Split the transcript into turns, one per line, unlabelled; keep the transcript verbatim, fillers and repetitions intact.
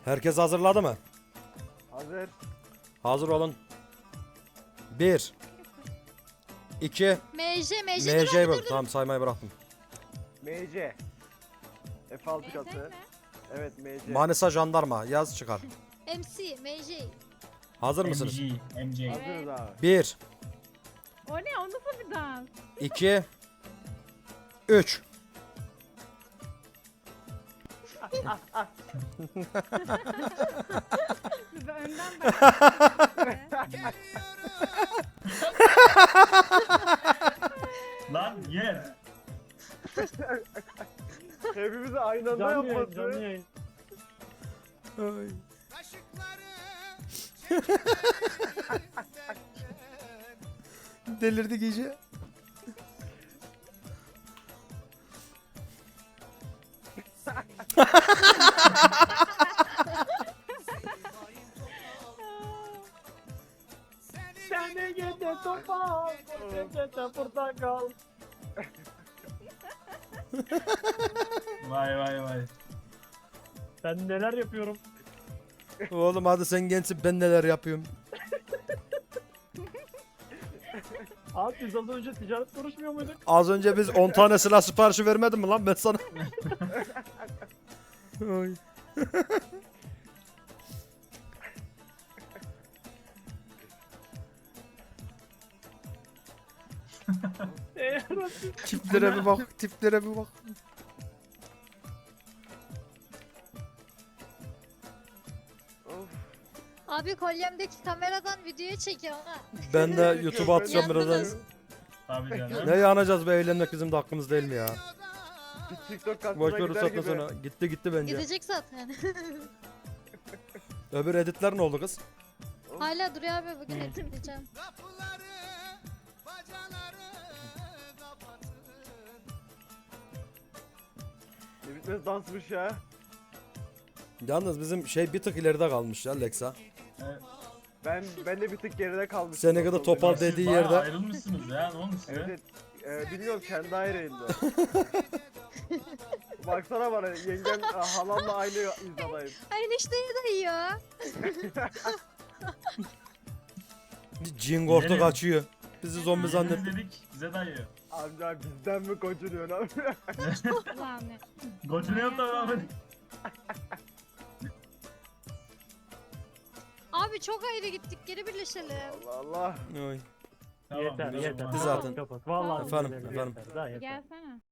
Herkes hazırladı mı?
Hazır.
Hazır olun. Bir. iki.
M J, M J.
M J'yi bırak. Tamam saymayı bıraktım.
M C. F altı katı. Evet M C.
Manisa jandarma yaz çıkar.
M C, M J.
Hazır mısınız?
M G, M J.
Hazırız abi.
Bir.
O ne? O nasıl bir dans?
iki. üç.
Size önden bakıyorum.
Lan yer.
Hepimizi aynı anda
Canlı yayın,
yapması.
canlı yayın.
Ay. Delirdi gece.
Seni gece topal, gece portakal.
Vay vay vay.
Ben neler yapıyorum?
Oğlum hadi sen gençsin, ben neler yapıyorum.
Abi biz az önce ticaret konuşmuyor muyduk?
Az önce biz on tane silah siparişi vermedim mi lan ben sana? Ay.
Eee
Tiplere bir bak, tiplere bir bak.
Of.
Abi kolyemdeki kameradan videoyu çekiyor ha.
Ben de YouTube'a atacağım birazdan.
Yandınız.
Tabii canım.
Ne yanacağız be, eğlenmek bizim de hakkımız değil mi ya?
Bir TikTok kasına
Boş ver
gider
uzatma
gibi.
sonra. Gitti gitti bence.
Gidecek zaten.
Öbür editler ne oldu kız?
Hala duruyor abi, bugün
Hı.
editleyeceğim.
Ne bitmez dansmış ya.
Yalnız bizim şey bir tık ileride kalmış ya Lexa.
Evet.
Ben ben de bir tık geride kalmışım.
Sene kadar
Nasıl oldu?
topal
Siz
dediği
bayağı
yerde.
ayrılmışsınız ya, ne olmuş size?
Evet, evet. Ee, bilmiyorum kendi ayrıydı. Baksana bana yengem e, halamla aynı hizadayım.
Aynı işleri dayıyor.
Cingortu
Nereye?
kaçıyor. Bizi zombi
Biz
zannetti.
dedik, bize dayıyor.
Amca bizden mi kocunuyorsun abi?
Ulan ne?
Gocunuyor da abi.
Abi çok ayrı gittik, geri birleşelim.
Allah Allah.
Oy.
Tamam,
yeter
biraz
yeter.
olmaz.
Biz zaten-
Kapat. Vallahi
Efendim,
yeter,
efendim.
yeter, daha yeter.
Gelsene.